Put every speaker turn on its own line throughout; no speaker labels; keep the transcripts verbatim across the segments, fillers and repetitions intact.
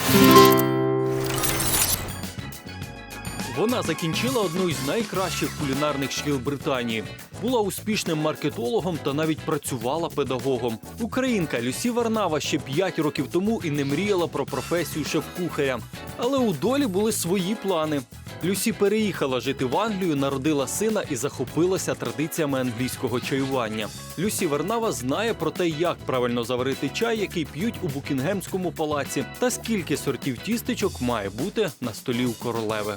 Вона закінчила одну із найкращих кулінарних шкіл Британії. Була успішним маркетологом та навіть працювала педагогом. Українка Люсі Варнава ще п'ять років тому і не мріяла про професію шеф-кухаря. Але у долі були свої плани. Люсі переїхала жити в Англію, народила сина і захопилася традиціями англійського чаювання. Люсі Варнава знає про те, як правильно заварити чай, який п'ють у Букінгемському палаці, та скільки сортів тістечок має бути на столі у королеви.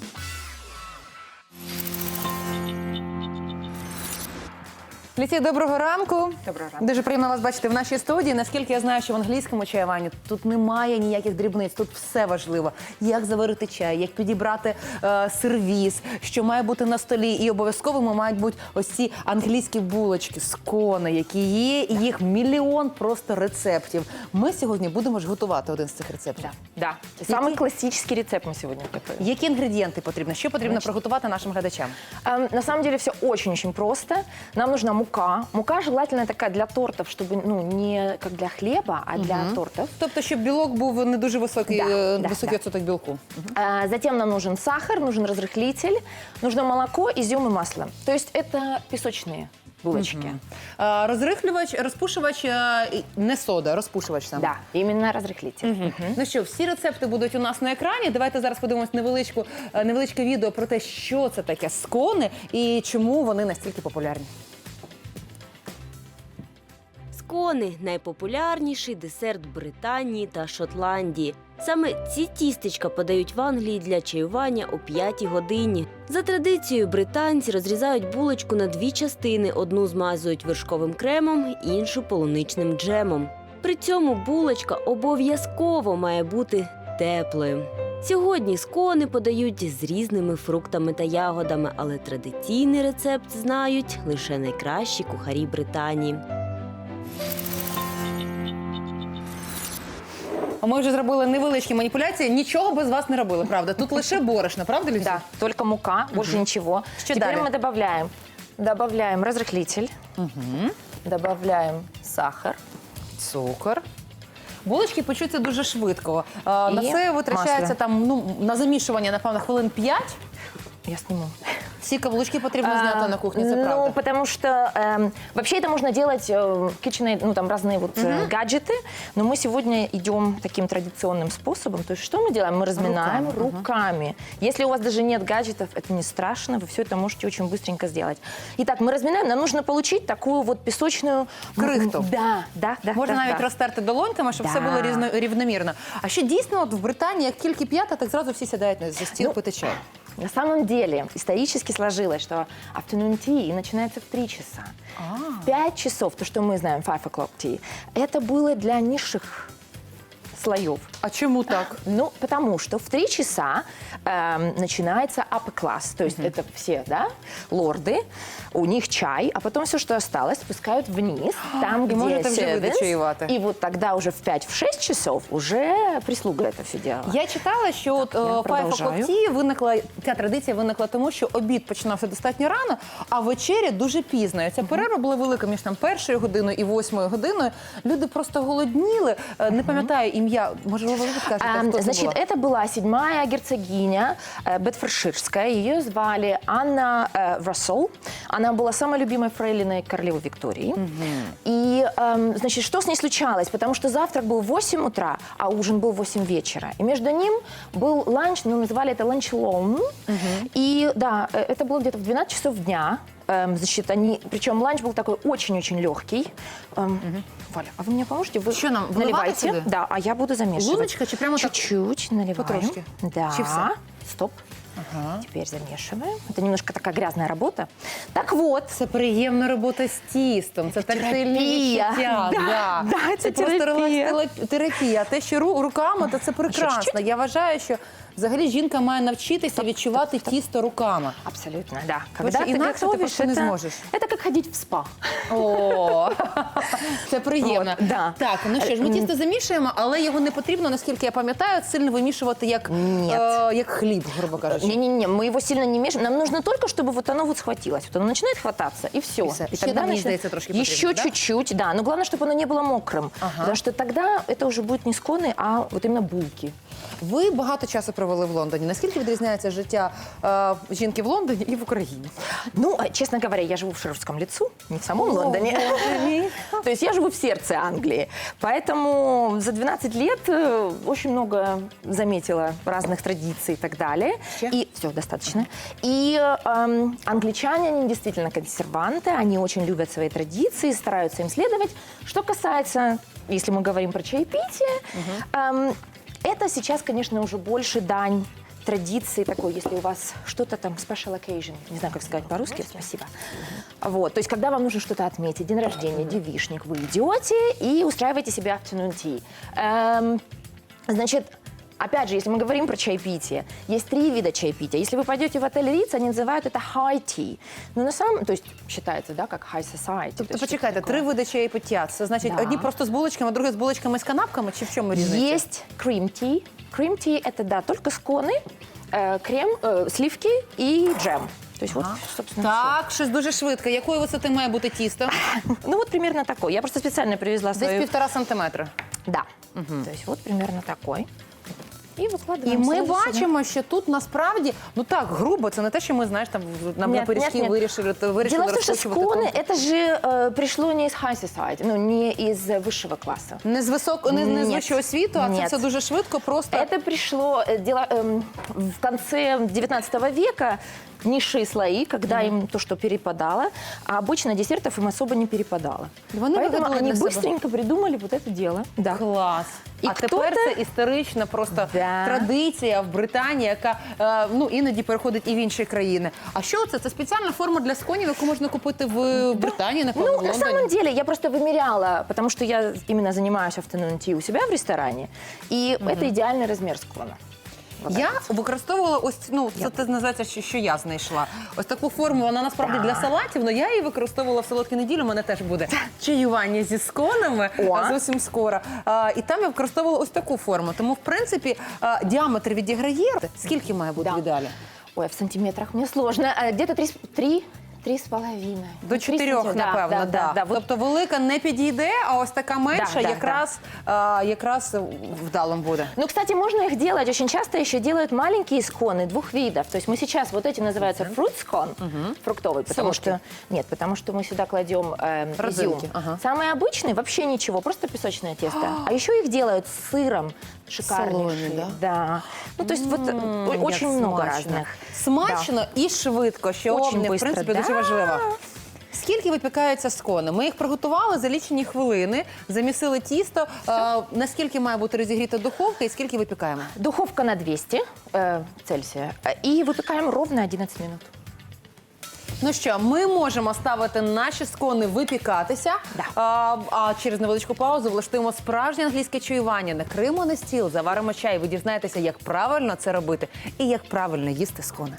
Люсі, доброго ранку.
Доброго ранку.
Дуже приємно вас бачити в нашій студії. Наскільки я знаю, що в англійському чаюванні тут немає ніяких дрібниць, тут все важливо. Як заварити чай, як підібрати е, сервіз, що має бути на столі. І обов'язково мають бути ось ці англійські булочки, скони, які є, і їх мільйон просто рецептів. Ми сьогодні будемо ж готувати один з цих рецептів.
Да. Самый классический рецепт мы сегодня готовим.
Які інгредієнти потрібно? Що потрібно
Значить,
приготувати нашим глядачам?
Эм, на самом деле все очень-очень просто. Нам нужна мука. Мука желательно такая для тортов, чтобы ну, не как для хлеба, а для тортов.
Тобто, щоб білок був не дуже високий,
Да,
е,
да,
високий
да.
відсоток білку.
А, Затем нам нужен сахар, нужен разрыхлитель, нужно молоко, изюм и масло. То есть это песочные булочки.
Е, Розрихлювач, розпушувач, е, і- не сода, розпушувач саме.
Да, именно разрыхлитель. Мгм.
Ну що, всі рецепти будуть у нас на екрані. Давайте зараз подивимось невеличку, е, невеличке відео про те, що це таке скони і чому вони настільки популярні.
Скони – найпопулярніший десерт Британії та Шотландії. Саме ці тістечка подають в Англії для чаювання о п'ятій годині. За традицією, британці розрізають булочку на дві частини. Одну змазують вершковим кремом, іншу – полуничним джемом. При цьому булочка обов'язково має бути теплою. Сьогодні скони подають з різними фруктами та ягодами, але традиційний рецепт знають лише найкращі кухарі Британії.
А Ми вже зробили невеличкі маніпуляції. Нічого без вас не робили, правда? Тут лише борошно, правда, Люсі?
Да, только мука, больше ничего.
Что
Теперь
далее?
мы добавляем, добавляем разрыхлитель, добавляем сахар.
Цукор. Булочки печуться дуже швидко. А, на
І
це витрачається
масло.
там, ну, на замішування, напевно, хвилин п'ять.
Я сниму.
Всі каблучки потрібно зняти на кухні, це
ну,
правда.
потому что эм, вообще это можно делать э, kitchen, ну там разные вот э, гаджеты, но мы сегодня идем таким традиционным способом. То есть что мы делаем? Мы разминаем
Руками,
руками. Если у вас даже нет гаджетов, это не страшно, вы все это можете очень быстренько сделать. Итак, мы разминаем. Нам нужно получить такую вот песочную
Крихту.
Да, да, да.
Можна
да,
навіть
да.
розтерти долоньками, щоб
Да.
все було різно, рівномірно. А ще дійсно от в Британії, як тільки п'ята, так зразу всі сідають за стіл
Ну,
пити чай.
На самом деле исторически сложилось, что afternoon tea начинается в три часа. Пять часов, то, что мы знаем, five o'clock tea, это было для низших слоев.
А чому так?
Ну, потому что в три часа эм, начинается upper class, то есть это все, да, лорды, у них чай, а потом все, что осталось, спускают вниз, там,
И
где
можете вже ви
servants,
дочаювати.
и вот тогда уже в пять-шесть часов уже прислуга это все делала.
Я читала, що от
я
е, Five
продовжаю.
O'Clock Tea виникла, ця традиція виникла тому, що обід починався достатньо рано, а вечеря дуже пізно. І ця перерва була велика між там першою годиною і восьмою годиною. Люди просто голодніли. Е, Не пам'ятаю ім'я, може ви скажете,
А,
хто це
Значит,
була?
это была седьмая герцогиня э, Бетфордширская. Ее звали Анна э, Рассел. Она была самой любимой фрейлиной королевы Виктории. И, эм, значит, что с ней случалось? Потому что завтрак был в восемь утра, а ужин был в восемь вечера. И между ним был ланч, ну, называли это ланч-лоун. И, да, э, это было где-то в двенадцать часов дня. Эм, значит, они, причем ланч был такой очень-очень легкий. Эм, Валя, а вы мне поможете? Вы
Что нам, выливать
наливайте?
сюда?
Да, а я буду замешивать.
Ложечка чи прямо так?
Чуть-чуть наливаем.
Потрошки?
Да.
Чи все?
Стоп. Теперь замешиваем. Это немножко такая грязная работа. Так вот.
Це приємна робота з тістом, це тактильні
терапія.
відчуття.
Да, да, це
просто
терапія.
релакс-терапія. А те, що ру- руками, то це прекрасно.
чуть-чуть?
Я вважаю, що взагалі жінка має навчитися відчувати тісто руками.
Абсолютно, да.
Потому что
ты
иначе ты
готовишь,
просто не
это,
сможешь.
это как ходить в спа.
О, це приємно.
От, да.
Так, ну що ж, ми тісто замішуємо, але його не потрібно, наскільки я пам'ятаю, сильно вимішувати як,
Ні.
е, як хліб, грубо кажучи.
Не-не-не, мы его сильно не мешаем. Нам нужно только, чтобы вот оно вот схватилось. Вот оно начинает хвататься, и все.
И всё.
И
Ще
тогда
там, мені
начинает-
здається, трошки потрібно,
Еще
да?
чуть-чуть, да. Но главное, чтобы оно не было мокрым.
Ага.
Потому что тогда это уже будет не сконы, а вот именно булки.
Ви багато часу провели в Лондоні. Наскільки відрізняється життя е, жінки в Лондоні і в Україні?
Ну, э, честно говоря, я живу в Шервудском лесу, не в самом Лондоне. То есть я живу в сердце Англии. Поэтому за двенадцать лет э, очень много заметила разных традиций и так далее. И все, достаточно. И эм, англичане, они действительно консерванты, они очень любят свои традиции, стараются им следовать. Что касается, если мы говорим про чаепитие, эм, это сейчас, конечно, уже больше дань традиции такой, если у вас что-то там special occasion, не знаю, как сказать по-русски, спасибо. Вот, то есть, когда вам нужно что-то отметить, день рождения, девичник, вы идете и устраиваете себе afternoon tea. Эм, значит, опять же, если мы говорим про чаепитие, есть три вида чаепития. Если вы пойдете в отель Ritz, они называют это high tea. Но на самом, то есть считается, да, как high society.
Тобто, почекайте, три види чаєпиття. Це значить,
Да.
одні просто з булочками, а другі з булочками з канапками? Чи в чому різниця?
Есть cream tea. Cream tea это, да, только сконы, э, крем, э, сливки и джем. То есть вот, собственно,
Так, щось дуже швидко. Якої висоти має бути тісто?
всё. Ну вот примерно такой. Я просто специально привезла
Десь
свою...
півтора сантиметра.
Да. То есть вот примерно такой. И выкладываем
І ми
сразу сюда.
бачимо, що тут насправді, ну так, грубо, це не те, що ми, знаєш, там на
Нет,
пиріжки
нет, нет.
вирішили, вирішили
Дело в том, что
розкручувати
сконы, это же э, пришло не из high society, ну, не из э, высшего класса.
Не з високо, не, не з
Ні.
вищого світу, а це
Ні.
все дуже швидко, просто.
Это пришло э, дело, эм, в конце девятнадцатого века, низшие слои, когда им то, что перепадало, а обычно десертов им особо не перепадало.
Вони
Поэтому
вигадали
они
для себе.
быстренько придумали вот это дело. Да.
Клас.
І
а тепер
хто-то-
це історична просто
Да.
традиція в Британії, яка е, ну, іноді переходить і в інші країни. А що це? Це спеціальна форма для сконів, яку можна купити в Британії, напевно,
Ну,
в
на
Лондоні?
самом деле, я просто вымеряла, потому что я именно занимаюсь afternoon tea у себя в ресторане, и это идеальный размер склона. Вот
Я
так.
використовувала ось, ну, це те називається, що, що я знайшла. Ось таку форму, вона насправді
Да.
для салатів, але я її використовувала в солодкі неділі, у мене теж буде чаювання зі сконами
О.
а, зовсім скоро. А, і там я використовувала ось таку форму. Тому, в принципі, а, діаметр відіграє. Скільки має бути
Да.
в ідеалі?
Ой, в сантиметрах мне сложно. А, Где-то три, с- три, три с половиной.
До
Три
чотирьох,
сантиметра.
напевно,
да. да, да. Вот
Тобто велика не підійде, а ось така менша
Да, да,
якраз, а, якраз вдалим буде.
Ну, кстати, можно их делать. Очень часто еще делают маленькие сконы двух видов. То есть мы сейчас, вот эти называются fruit scone, фруктовый, потому
Солодкий.
что, нет, потому что мы сюда кладем э, изюм.
Родзинки, ага.
Самые обычные вообще ничего, просто песочное тесто. А еще их делают с сыром шикарнейшие.
Солоные, да?
Да. Ну, то есть вот э,
М,
очень
як
много
смачно.
разных.
Смачно і швидко, що
Очень
мені, в
быстро,
принципі,
да.
дуже важливо. Скільки випікаються скони? Ми їх приготували за лічені хвилини, замісили тісто. А, наскільки має бути розігріта духовка і скільки випікаємо?
Духовка на двести э, Цельсия. И выпекаем ровно одиннадцать минут.
Ну що, ми можемо ставити наші скони випікатися,
Да.
а, а через невеличку паузу влаштуємо справжнє англійське чаювання. Накриємо на стіл, заваримо чай. Ви дізнаєтеся, як правильно це робити і як правильно їсти скони.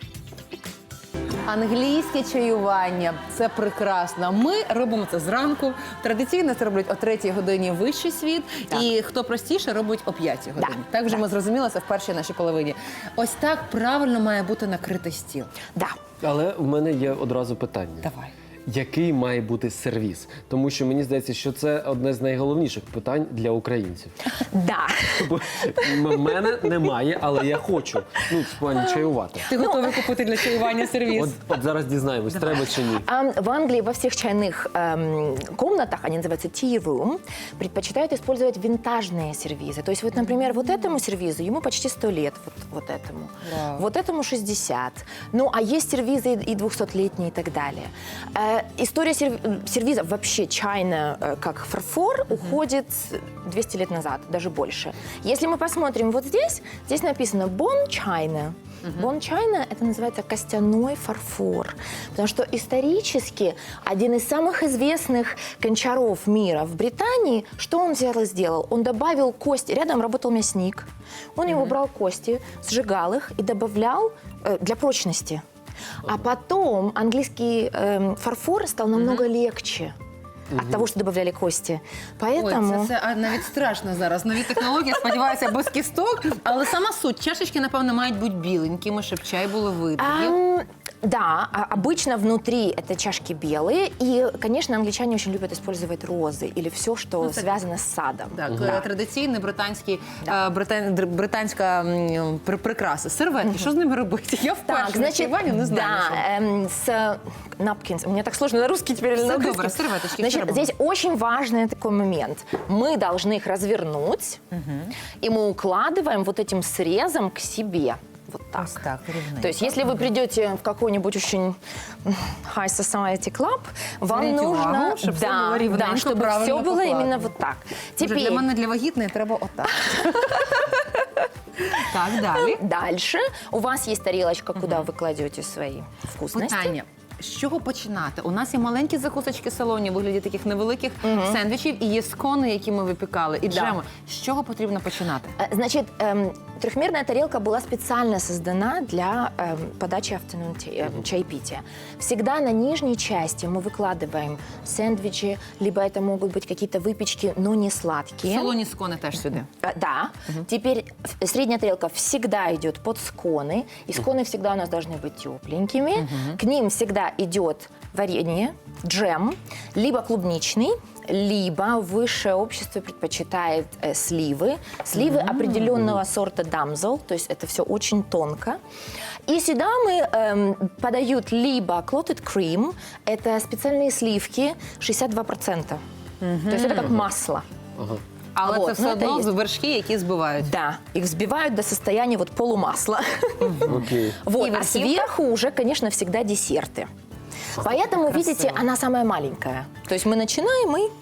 Англійське чаювання – це прекрасно. Ми робимо це зранку. Традиційно це роблять о третій годині вищий світ.
Так.
І хто простіше, робить о п'ятій годині. Так вже
да.
ми зрозуміли це в першій нашій половині. Ось так правильно має бути накритий стіл.
Да.
Але в мене є одразу питання.
Давай.
Який має бути сервіс? Тому що мені здається, що це одне з найголовніших питань для українців.
Да.
Бо в мене немає, але я хочу. Ну, в плані чаювати.
Ти готовий купити для чаювання сервіс?
От, от зараз дізнаємось, треба чи ні.
А в Англии во всех чайных эм, комнатах, они называются tea room, предпочитают использовать винтажные сервизы. То есть вот, например, вот этому сервизу, ему почти сто лет, вот, вот этому.
Вау.
Вот этому шестьдесят. Ну, а есть сервизы и двухсотлетние и так далее. Э, история серв- сервиза вообще чайная, э, как фарфор, уходит двести лет назад, даже больше. Если мы посмотрим вот здесь, здесь написано «Bon China». Бон Чайна – это называется костяной фарфор, потому что исторически один из самых известных гончаров мира в Британии, что он взял и сделал? Он добавил кости, рядом работал мясник, он его брал кости, сжигал их и добавлял э, для прочности. А потом английский эм, фарфор стал намного легче от того, что добавляли кости. Поэтому...
Ой, це, це а, навіть страшно зараз. Нові технології, сподіваюся, без кісток. Але сама суть. Чашечки, напевно, мають бути біленькими, щоб чай було видно.
Ам, Да, а обычно внутри это чашки белые, и, конечно, англичане очень любят использовать розы или все, что
Ну, это-
связано с садом.
Так, е, традиційний британський, е, британ- др- британська м, при- прикраса. Серветки, що з ними робити? Я вперше
Так,
на
значит,
чаюванні не знаю.
да,
що.
эм, с напкинс. Мне так сложно на русский теперь или
Всё
на
добро,
английский.
серветочки,
Значит,
всё
здесь очень важный такой момент. Мы должны их развернуть, и мы укладываем вот этим срезом к себе. Вот так.
Ось так, рівненько.
То есть, если вы придете в какой-нибудь очень high society club, вам
Зверніть
нужно,
увагу, щоб все
да,
було рівненько,
да, чтобы
правильно
все было
покладено.
именно вот так.
Боже, для мене для вагітної треба отак. Так, далі.
Дальше у вас есть тарелочка, куда вы кладете свои вкусности.
Питання. З чого починати? У нас є маленькі закусочки салоні у вигляді таких невеликих сендвічів, і є скони, які ми випікали, і
Да.
джеми. З чого потрібно починати?
Э, Значит, эм, трехмерная тарелка была специально создана для эм, подачи afternoon tea, эм, чаепития. Всегда на нижней части мы выкладываем сэндвичи, либо это могут быть какие-то выпечки, но не
В
сладкие.
салоні скони теж сюди.
Э, Да. Теперь в- средняя тарелка всегда идет под сконы, и сконы всегда у нас должны быть тепленькими. К ним всегда идет варенье, джем, либо клубничный, либо высшее общество предпочитает э, сливы. Сливы определенного сорта дамзел, то есть это все очень тонко. И сюда мы эм, подают либо clotted cream, это специальные сливки, шестьдесят два процента. То есть это как масло.
Але
Вот,
це все
ну, це
одно
є.
вершки, які збивають.
Да, их взбивают до состояния вот полумасла.
Окей.
Вот,
И
а
верхивка?
сверху уже, конечно, всегда десерты. Поэтому, видите, она самая маленькая. То есть мы начинаем и...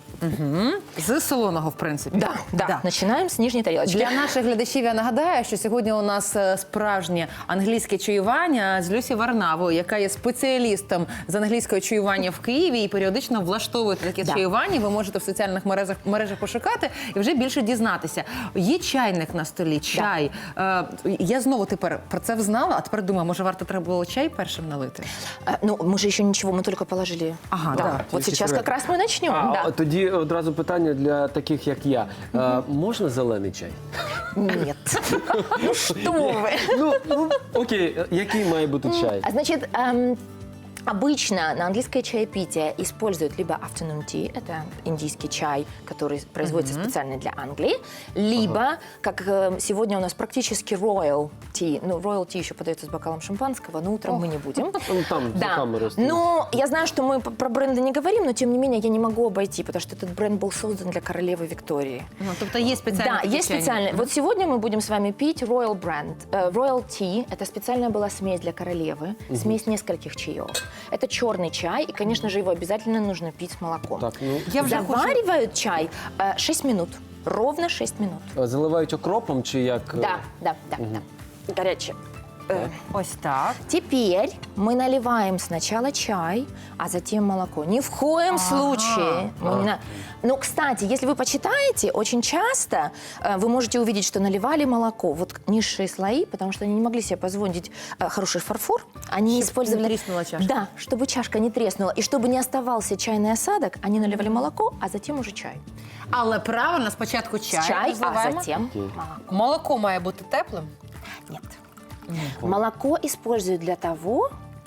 З солоного, в принципі.
Да, да, начинаем с нижней тарелочки.
Для наших глядачів я нагадаю, що сьогодні у нас е, справжнє англійське чаювання з Люсі Варнавою, яка є спеціалістом з англійського чаювання в Києві і періодично влаштовує таке
Да.
чаювання. Ви можете в соціальних мережах, мережах пошукати і вже більше дізнатися. Є чайник на столі, чай. Е, я знову тепер про це взнала, а тепер думаю, може варто треба було чай першим налити?
А, ну, мы же еще ничего, мы только положили.
Ага,
да.
да,
Вот
тільки
сейчас
серветки.
как раз мы начнем.
А,
да.
тоді одразу питання для таких, як я. Е, можна зелений чай?
Нет. Ну что вы.
Ну, ну, окей, який має бути чай?
А, Значит, эм, обычно на английское чаепитие используют либо afternoon tea, это индийский чай, который производится специально для Англии, либо, как э, сегодня у нас практически royal tea, ну, royal tea еще подается с бокалом шампанского, но утром мы не будем.
Ну, там за
Да,
камерою стоїть.
но я знаю, что мы п- про бренды не говорим, но тем не менее я не могу обойти, потому что этот бренд был создан для королевы Виктории.
Ну, тобто є спеціальні
Да,
такі
есть
чайники.
специальные. Вот сегодня мы будем с вами пить Royal Brand. Э, Royal Tea – это специальная была смесь для королевы, смесь нескольких чаев. Это черный чай, и, конечно же, его обязательно нужно пить с молоком.
Так, ну,
Я вже хочу...
Заваривают чай э, шесть минут, ровно шесть минут.
заливають окропом чи як? е,
Да, да, да, да. Горячее. Э,
Ось так.
Теперь мы наливаем сначала чай, а затем молоко. Ни в коем случае. мы не на- Но, кстати, если вы почитаете, очень часто э, вы можете увидеть, что наливали молоко. Вот низшие слои, потому что они не могли себе позволить э, хороший фарфор. Они
Чтоб
использовали...
не треснула чашка.
Да, чтобы чашка не треснула. И чтобы не оставался чайный осадок, они наливали молоко, а затем уже чай.
Але правильно, спочатку чай,
чай, а
розливаємо.
затем молоко.
Молоко має бути теплим.
Нет. Молоко используют для того,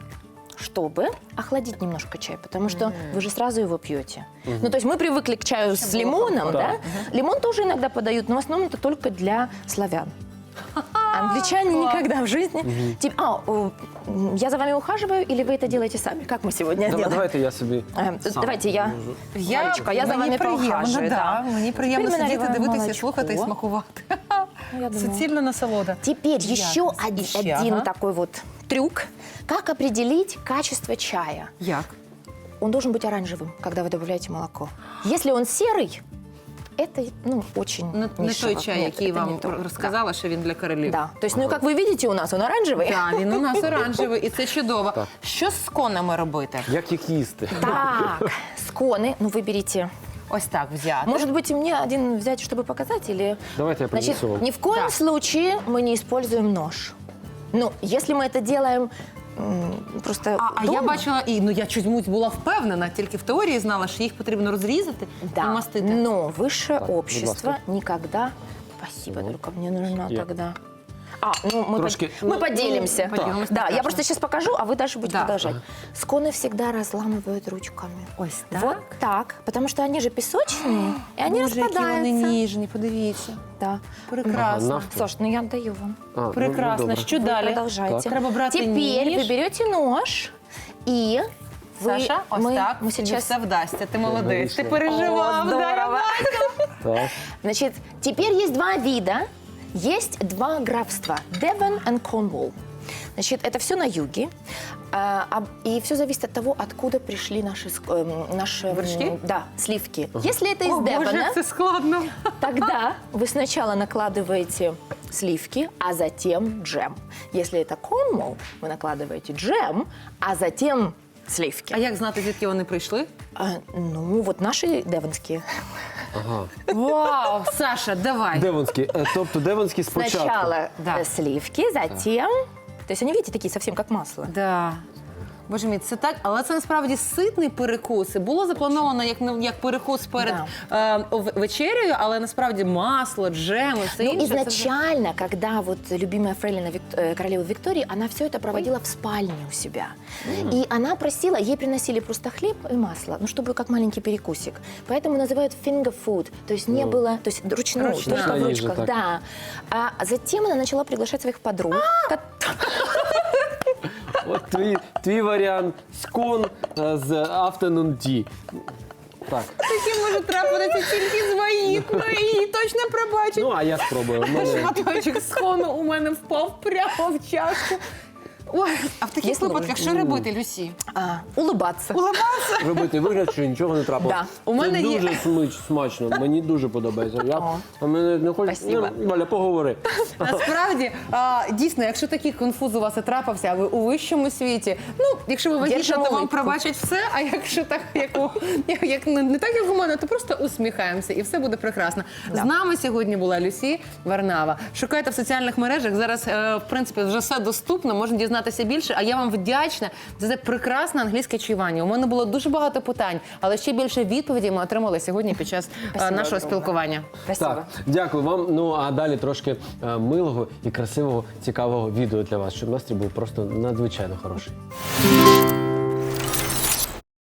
чтобы охладить немножко чай, потому что вы же сразу его пьете. Ну, то есть мы привыкли к чаю с
было
лимоном,
комфортно.
да? Лимон тоже иногда подают, но в основном это только для славян. Англичане никогда в жизни... Тип- А, о, м, я за вами ухаживаю, или вы это делаете сами? Как мы сегодня
Давай-
делаем?
Давайте я собі.
Э,
сам
Давайте я,
можу.
Валечка, я за
мені
вами
приємно,
поухаживаю.
да. Мені приємно
Теперь мы
сидіти,
наливаем
дивитися,
молочко.
слухати і смакувати.
Ну, я думаю.
Суцільна насолода.
Теперь еще
Ясно.
один,
Еще,
один
ага.
такой вот трюк. Как определить качество чая?
Як?
Он должен быть оранжевым, когда вы добавляете молоко. Если он серый, это, ну, очень
Не, не
нишево.
той чай,
Нет,
який
это не
вам
то.
розказала, що він для королів.
Да. То есть, ну, как вы видите, у нас он оранжевый.
Так, він у нас оранжевий, і це чудово.
Так.
Що з конами робити?
Як їх їсти?
Так, сконы, ну, выберите.
Ось так взяти.
Может быть, и мне один взять, чтобы показать, или...
Давайте я
Значит,
принесу вам.
ни в коем
Да.
случае мы не используем нож. Ну, если мы это делаем м, просто
А, а
дома,
я бачила, і ну я чомусь була впевнена, тільки в теорії знала, що їх потрібно розрізати і
да,
мастити.
но высшее
Так,
общество
будь ласка.
никогда... Спасибо,
Вот.
только мне нужна
Я-
тогда... А, ну мы,
Трошки,
под- мы
ну,
поделимся.
ну, поделимся,
Да, я
покажем.
просто сейчас покажу, а вы дальше будете
Да.
продолжать. Сконы всегда разламывают ручками.
Ось так?
Вот так, потому что они же песочные, и они
Боже, які вони
распадаются.
ніжні, подивіться.
Да.
Прекрасно.
Ага, навпіл.
Саш, ну я отдаю вам.
А, ну,
Прекрасно.
добре.
Що
Вы
далі?
продолжайте.
Так. Треба брати
Теперь
ніж.
вы берете нож и вы,
Саша, ось
мы,
так,
мы
тобі
сейчас...
все вдасться. Ти молодець. Ти
вийшло.
переживав.
О,
да, я
здорово.
Так.
Значит, теперь есть два вида, есть два графства – Девон и Корнуолл. Значит, это все на юге, а, а, и все зависит от того, откуда пришли наши, ск- эм, наши м,
Вершки?
да, сливки. Если это из
О, Боже,
Девона,
це складно.
тогда вы сначала накладываете сливки, а затем джем. Если это Корнуолл, вы накладываете джем, а затем сливки.
А як знати, звідки вони прийшли?
А, ну, вот наши девонские.
Ага.
Вау, Саша, давай.
Девонський. Е, Тобто Девонський спочатку.
Сначала
Да.
э, сливки, затем... То есть они, видите, такие совсем как масло.
Да. Боже мій, це так, але це насправді ситний перекус. І було заплановано як, ну, як перекус перед е, ов- вечерею, але насправді масло, джем і все
Ну,
інше. це вже-
изначально, когда вот любимая фрейлина Вик- э, королевы Виктории, она все это проводила в спальне у себя. И она просила, ей приносили просто хлеб и масло, ну, чтобы как маленький перекусик. Поэтому называют finger food, то есть не было, то есть ручную,
Ручная.
только в
Ручная
ручках,
ниже, так.
да. А затем она начала приглашать своих подруг. ко-
От твій, твій варіант скон е, з afternoon tea. Так.
Таке може трапитися тільки з вагітною, її точно пробачить.
Ну, а я спробую. У мене-
Шматочок схону у мене впав прямо в чашку. Ой, а в таких
Якщо
випадках що робити, Люсі?
А, улыбаться.
Улыбатися?
Робити вигляд, що нічого не трапилось.
Да.
У мене
Це
є-
дуже смач, смачно, мені дуже подобається. Я,
О.
а мене не хочу.
Спасибо.
Ну, Валя, поговори.
Насправді, а, дійсно, якщо такий конфуз у вас і трапився, а ви у вищому світі, ну, якщо ви вагітна,
Держимо
то вам
улипку.
пробачать все, а якщо так, як, у, як, як не, не так, як у мене, то просто усміхаємося і все буде прекрасно. З нами сьогодні була Люсі Варнава. Шукайте в соціальних мережах, зараз, е, в принципі, вже все доступно, можна дізнатися більше, а я вам вдячна за це прекрасне англійське чаювання. У мене було дуже багато питань, але ще більше відповідей ми отримали сьогодні під час е,
Спасибо
нашого
огромне.
спілкування.
Спасибо.
Так, дякую вам. Ну а далі трошки е, милого і красивого, цікавого відео для вас, щоб настрій був просто надзвичайно хороший.